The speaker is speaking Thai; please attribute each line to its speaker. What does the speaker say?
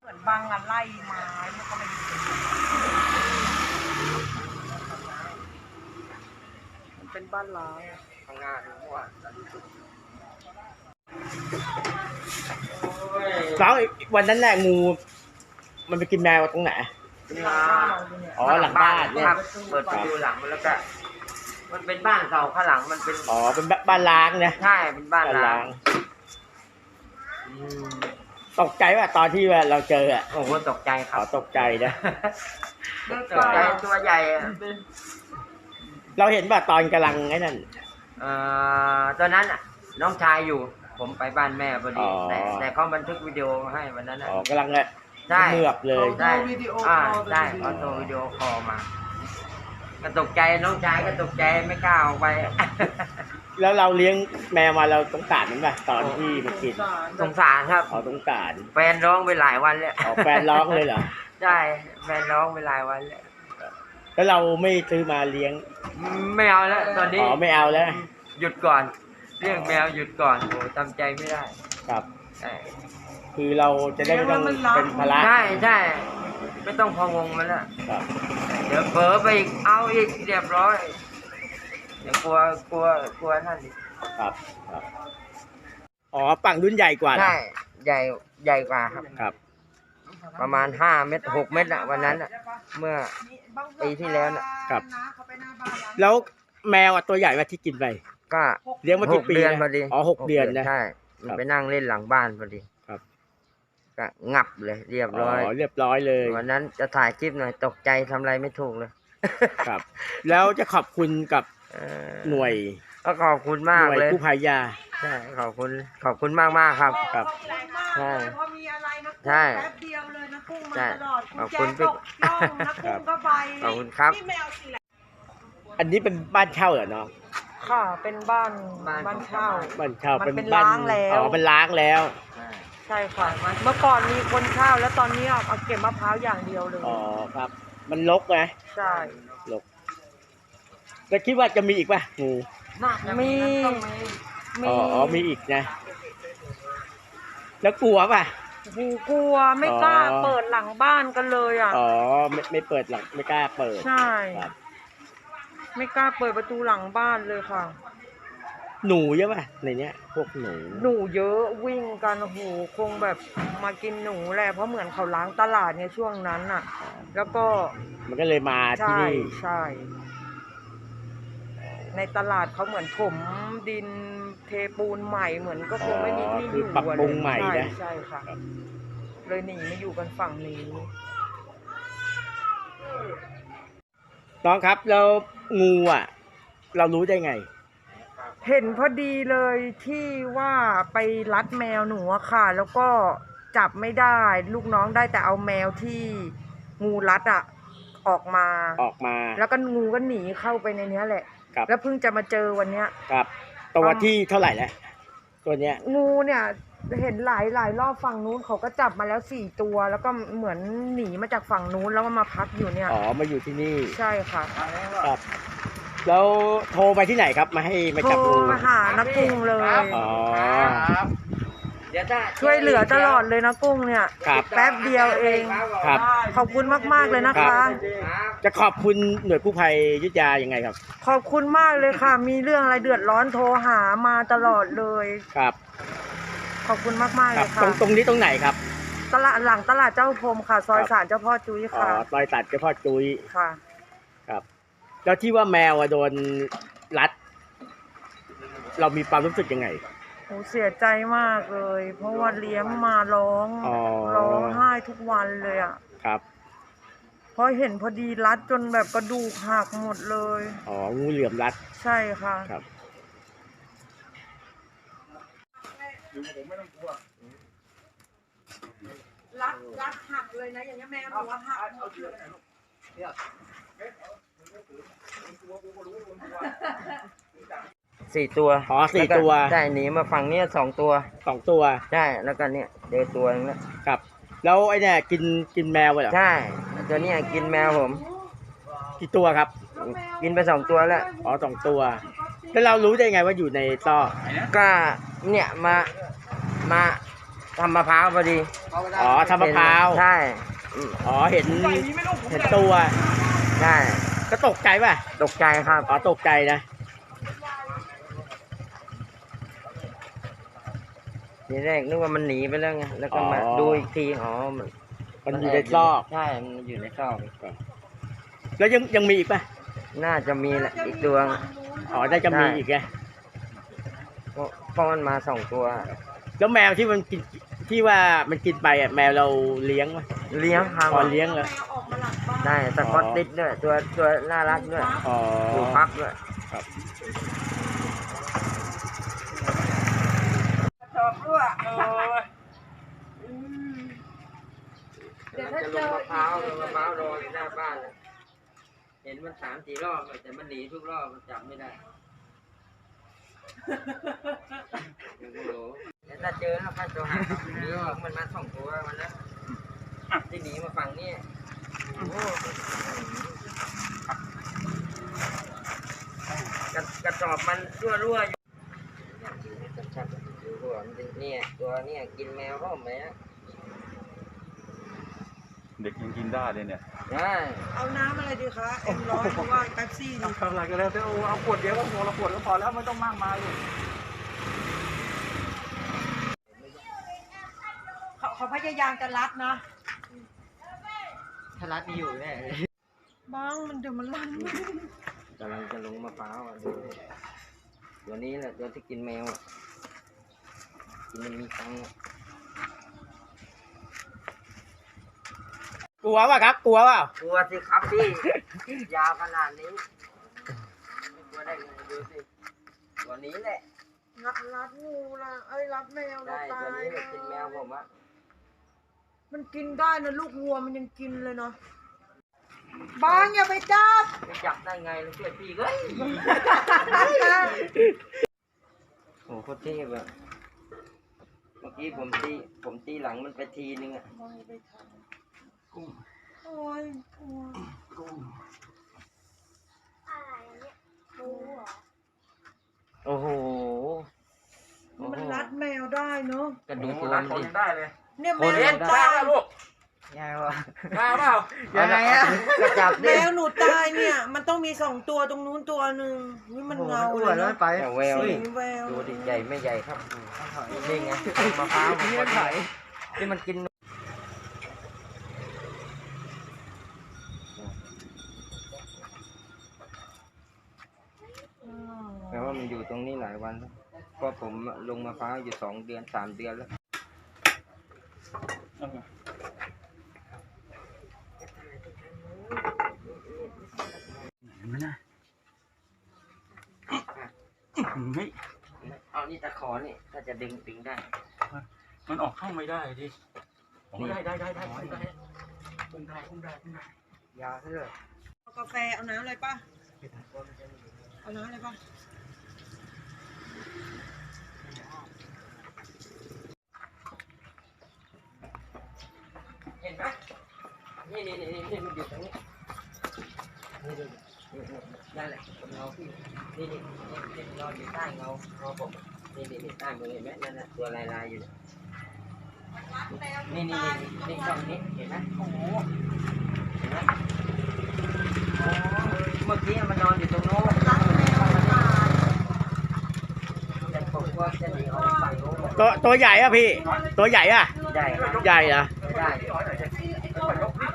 Speaker 1: เหมือนบางอะไล่ไม้มันก็ไม่มันเป็นบ้านร้างทำงานเมื่อวาน
Speaker 2: แล้ววันนั้นแหละงูมันไปกินแมวตรงไหนอ๋อหลังบ้านเนี่ย
Speaker 3: เปิดประตูหลังแล้วก็มันเป็นบ้านเก่าข้างหลังมันเป็น
Speaker 2: อ๋อเป็นบ้านล้างนะ
Speaker 3: ใช่เป็นบ้านล้าง
Speaker 2: ตกใจว่าตอนที่ว่าเราเจออ่ะ
Speaker 3: โอ้โหตกใจครับ
Speaker 2: ตกใจนะ
Speaker 3: ตกใจตัวใหญ่
Speaker 2: เราเห็นว่าตอนกำลังไอ้นั่น
Speaker 3: ตอนนั้นน้องชายอยู่ผมไปบ้านแม่พอดีแต่เขาบันทึกวิดีโอให้วันนั้น
Speaker 2: กำลังเนี่ยเมือกเลย
Speaker 3: ได้ได้เขาโทรวิดีโอคอลมาก็ตกใจน้องชายก็ตกใจไม่กล้าออกไป
Speaker 2: แล้วเราเลี้ยงแมวมาเราสงสารมันป่ะตอนที่มันกิน
Speaker 3: สงสารครับ
Speaker 2: สงสาร
Speaker 3: แฟนร้องไปหลายวันแล้ว
Speaker 2: แฟนร้องเลยเหรอ
Speaker 3: ใช่แฟนร้องไปหลายวัน
Speaker 2: แล้วเราไม่ซื้อมาเลี้ยง
Speaker 3: ไม่เอาแล้วตอนนี้
Speaker 2: ไม่เอาแล้ว
Speaker 3: หยุดก่อนเรื่องแมวหยุดก่อนโอ้ทำใจไม่ได้
Speaker 2: ครับคือเราจะได้ไม่ต้องเป็นภาระ
Speaker 3: ใช่ใช่ไม่ต้องพะวงมันละเดี๋ยวเผลอไปอีกเอาอีกเรียบร้อยเดี๋ยวกลัวนั่นดิ
Speaker 2: ครับฝั่งรุ่นใหญ่กว่า
Speaker 3: ใช่ใหญ่กว่าครับประมาณ5 เมตร 6 เมตรอะวันนั้นอะเมื่อปีที่แล้วนะครับ
Speaker 2: แล้วแมวตัวใหญ่ว่าที่กินไป
Speaker 3: ก็
Speaker 2: เลี้ยงมากี่ปี
Speaker 3: เดือนพอดี
Speaker 2: 6 เดือนนะ
Speaker 3: ใช่มันไปนั่งเล่นหลังบ้านพอดี
Speaker 2: ครับ
Speaker 3: ก็งับเลยเรียบร้
Speaker 2: อยเลย
Speaker 3: วันนั้นจะถ่ายคลิปหน่อยตกใจทำอะไรไม่ถูกเลย
Speaker 2: ครับแล้วจะขอบคุณกับหน่วย
Speaker 3: ก็ขอบคุณมากเลย
Speaker 2: ผู้ภัยยา
Speaker 3: ใช่ขอบคุณมากครับใช่
Speaker 1: พอมีอะไรนะ
Speaker 3: ใช่
Speaker 1: แป๊บเดียวเลยนะกุ้งมาตลอด
Speaker 3: ขอบคุณ
Speaker 1: พี่นะกุ้งก็ไป
Speaker 3: ขอบคุณครับ
Speaker 2: อันนี้เป็นบ้านเช่าเหรอน้อง
Speaker 1: ค่ะเป็นบ้านเช่า
Speaker 2: เป็นล้างแล้วเป็นล้างแล้ว
Speaker 1: ใช่ค่ะเมื่อก่อนมีคนเช่าแล้วตอนนี้เอาเก็บมะพร้าวอย่างเดียวเลย
Speaker 2: ครับมันรกไหม
Speaker 1: ใช่
Speaker 2: รกแล้วคิดว่าจะมีอีกป่ะงู
Speaker 1: มี
Speaker 2: อีกนะแล้วกลัวป่ะ
Speaker 1: กลัวไม่กล้าเปิดหลังบ้านกันเลย
Speaker 2: ไม่เปิดหลังไม่กล้าเปิด
Speaker 1: ใช่ไม่กล้าเปิดประตูหลังบ้านเลยค่ะ
Speaker 2: หนูเยอะป่ะในเนี้ยพวก
Speaker 1: หนูเยอะวิ่งกันโอ้โหคงแบบมากินหนูแหละเพราะเหมือนเขาล้างตลาดเนี่ยช่วงนั้นน่ะแล้วก็
Speaker 2: มันก็เลยมาที่นี่
Speaker 1: ใช่ในตลาดเขาเหมือนถมดินเทปูนใหม่เหมือนก็คงไม่มีที่อยู่
Speaker 2: ปรับปรุงใหม่นะ
Speaker 1: ใช่ค่ะเลยหนีมาอยู่กันฝั่งนี้
Speaker 2: น้องครับแล้วงูเรารู้ได้ไง
Speaker 1: เห็นพอดีเลยที่ว่าไปรัดแมวหนูอะค่ะแล้วก็จับไม่ได้ลูกน้องได้แต่เอาแมวที่งูรัดออกมาแล้วก็งูก็หนีเข้าไปในนี้แหละแล้วเพิ่งจะมาเจอวันเนี้ย
Speaker 2: ครับตัวที่เท่าไหร่แล้วตัวเนี้ย
Speaker 1: งูเนี่ยเห็นหลายรอบฝั่งนู้นเขาก็จับมาแล้ว4 ตัวแล้วก็เหมือนหนีมาจากฝั่งนู้นแล้วก็มาพักอยู่เนี่ย
Speaker 2: มาอยู่ที่นี่
Speaker 1: ใช่ค่ะ
Speaker 2: ครับแล้วโทรไปที่ไหนครับมาให้มาจับงู
Speaker 1: โทรมาหานักกุ้งเลยช่วยเหลือตลอดเลยนะกุ้งเนี่ยแป๊บเดียวเอง
Speaker 2: ครับ
Speaker 1: ขอบคุณมากๆเลยนะคะ
Speaker 2: จะขอบคุณหน่วยกู้ภัยอยุธยายังไงครับ
Speaker 1: ขอบคุณมากเลยค่ะมีเรื่องอะไรเดือดร้อนโทรหามาตลอดเลย
Speaker 2: ครับ
Speaker 1: ขอบคุณมากๆเลยค่ะ
Speaker 2: ตรงนี้ตรงไหนครับ
Speaker 1: ตลาดหลังตลาดเจ้าพรมค่ะซอยศาลเจ้าพ่อจุ้ยค่ะ
Speaker 2: ซอยศาลเจ้าพ่อจุ้ย
Speaker 1: ค่ะ
Speaker 2: ครับแล้วที่ว่าแมวโดนรัดเรามีความรู้สึกยังไง
Speaker 1: โอ้เสียใจมากเลยเพราะว่าเลี้ยงมาร้องไห้ทุกวันเลย
Speaker 2: ครับ
Speaker 1: เพราะเห็นพอดีรัดจนแบบกระดูกหักหมดเลย
Speaker 2: งูเหลือมรัด
Speaker 1: ใช่ค่ะ
Speaker 2: ครับ
Speaker 1: รัดหักเลยนะอย่างนี้แม่บอกว่าหัก
Speaker 3: 4 ตัว
Speaker 2: 4 ตัว
Speaker 3: ใช่หนีมาฝั่งนี้2 ตัวใช่แล้วก็เนี่ยเจอตัวนึงแล้ว
Speaker 2: ครับแล้วไอ้เนี่ยกินแมวเหรอ
Speaker 3: ใช่ตัวนี้กินแมวผม
Speaker 2: กี่ตัวครับ
Speaker 3: กินไป2 ตัวแล้ว
Speaker 2: 2 ตัวแล้วเรารู้ได้ไงว่าอยู่ในซอก
Speaker 3: ก็เนี่ยมาทำมะพร้าวพอดี
Speaker 2: อ๋อทำมะพร้าว
Speaker 3: ใช่
Speaker 2: อ๋อเห็นตัว
Speaker 3: ใช่
Speaker 2: ก็ตกใจป่ะ
Speaker 3: ตกใจครับ
Speaker 2: อ๋อตกใจนะ
Speaker 3: ทีแรกนึกว่ามันหนีไปแล้วไงแล้วก็มาดูอีกทีอ๋อ
Speaker 2: มันอยู่ในซอก
Speaker 3: ใช่มันอยู่ในซอก
Speaker 2: แล้วยังมีอีกป่ะ
Speaker 3: น่าจะมีแหละอีกตัว
Speaker 2: อ๋อได้จะมีอีกไง
Speaker 3: เพราะมันมา2 ตัว
Speaker 2: แล้วแมวที่มันกินที่ว่ามันกินไปอ่ะแมวเราเลี้ยงไหม
Speaker 3: เลี้ยงครับ
Speaker 2: อ๋อเลี้ยงเหรอ
Speaker 3: ได้สกอตติชด้วยตัวน่ารักด้วย
Speaker 2: อ๋อ
Speaker 3: อยู่พักด้วย
Speaker 2: ครับ
Speaker 1: ชอบด้วยเดี๋ยวถ้า
Speaker 3: จะ
Speaker 1: เจ
Speaker 3: ลง
Speaker 1: อ
Speaker 3: มะพร้าวรออยู่หน้าบ้านเลยเห็นมัน3-4 รอบเลยแต่มันหนีทุกรอบมันจับไม่ได้ยังไม่รู้แต่ถ้าเจอแล้วค่อยตัวหานี่มันมา2 ตัวมันนะที่หนีมาฝั่งนี้กระสอบมันรั่วอยู่ชัดๆดูหัวมันเนี่ยตัวเนี่ยกินแมวเข้าไหมนะ
Speaker 4: เด็กยังกินได้เลยเนี่ย
Speaker 3: ได้
Speaker 1: เอาน้ำอะไรดีคะเอ็มร้อยหรือว่าแป๊บซี่ดี
Speaker 4: ทำอะไรก็แล้วแต่เอาขวดเดียวก็พอละขวดก็พอแล้วไม่ต้องมากมายเลย
Speaker 1: เขาพยายามจะรัดนะ
Speaker 3: ถ้ารัดมีอยู่แน่
Speaker 1: บ้างมันเดี๋ยวมันรัน
Speaker 3: กำลังจะลงมะพร้าวอ่ะดูตัวนี้แหละตัวที่กินแมวอ่ะกินมันมีตังค์อ่ะ
Speaker 2: กลัวป่ะครับ กลัวเปล่าก
Speaker 3: ลัวสิครับพี่ ยาวขนาดนี้ไม่กลัวได้ไงดูสิตัวนี้แหละ
Speaker 1: รัดงูละเอ้ยรัดแมว
Speaker 3: ได้
Speaker 1: ตา
Speaker 3: ตัวย นี้แหละกินแมวผมอ่ะ
Speaker 1: มันกินได้นะลูกวัวมันยังกินเลยเนาะบ้างอย่าไปจับ
Speaker 3: ไม่จับได้ไงแล้วเชื่อพี่เฮ้ยโอ้โหโคตรเทพอ่ะเมื่อกี้ผมตีหลังมันไปทีนึงอ่ะ
Speaker 1: โอ้ยกลัว
Speaker 3: โอ้โห
Speaker 1: มันรัดแมวได้เนาะ
Speaker 3: กระดูกตัว
Speaker 4: ร้าน
Speaker 3: มัน
Speaker 4: เขา
Speaker 3: ดิ
Speaker 4: ยังได้เลย
Speaker 1: เนี่ยแม
Speaker 3: โอ้
Speaker 1: วย หนู
Speaker 3: ได้
Speaker 1: ตาย
Speaker 4: ลูก
Speaker 3: ยายวะ
Speaker 4: ได้เปล่า
Speaker 3: ยังไงอ่ะก็จับ
Speaker 1: แม
Speaker 3: ดิ
Speaker 1: วหนูตายเนี่ย มันต้องมี2 ตัวตรงนู้นตัวหนึ่งนี่มันเงาเลยเนาะ
Speaker 3: แต่แวว
Speaker 1: สี
Speaker 3: นี่
Speaker 1: แวว
Speaker 3: ดูดิใหญ่ไม่ใหญ่ครับนี่ไงมะพร้าวมันพอดีที่มันกินแปลว่ามันอยู่ตรงนี้หลายวันแล้วเพราะผมลงมะพร้าวอยู่2 เดือน 3 เดือนแล้วเอานี่ตะขอนี่ถ้าจะดึงได้
Speaker 4: มันออกเข้าไม่ได้ดิได้
Speaker 3: ยาวเท่าไหร่
Speaker 1: เอากาแฟเอาน้ำอะไรป่ะเอาน้ำอะไรป่ะ
Speaker 3: เห็นไหมนี่มันอยู่ตรงนี้นี่นั่นแหละเงาพี่นี่นอนอยู่ใต้เงาผมนี่ใต้มือเห็นไหมนั่นแหละตัวลายอยู่นี่ช่องนี้เห็นไหมโอ้โหเห็นไหมเมื่อกี้มันนอนอยู่ตรงโน้นแต่ผมว่าจะหนีออกไปโน้น
Speaker 2: ตัวใหญ่อ่ะพี่ ตัวใหญ่อ่ะ
Speaker 3: ใหญ่ครับ
Speaker 2: ใหญ่เหรอ
Speaker 3: ได้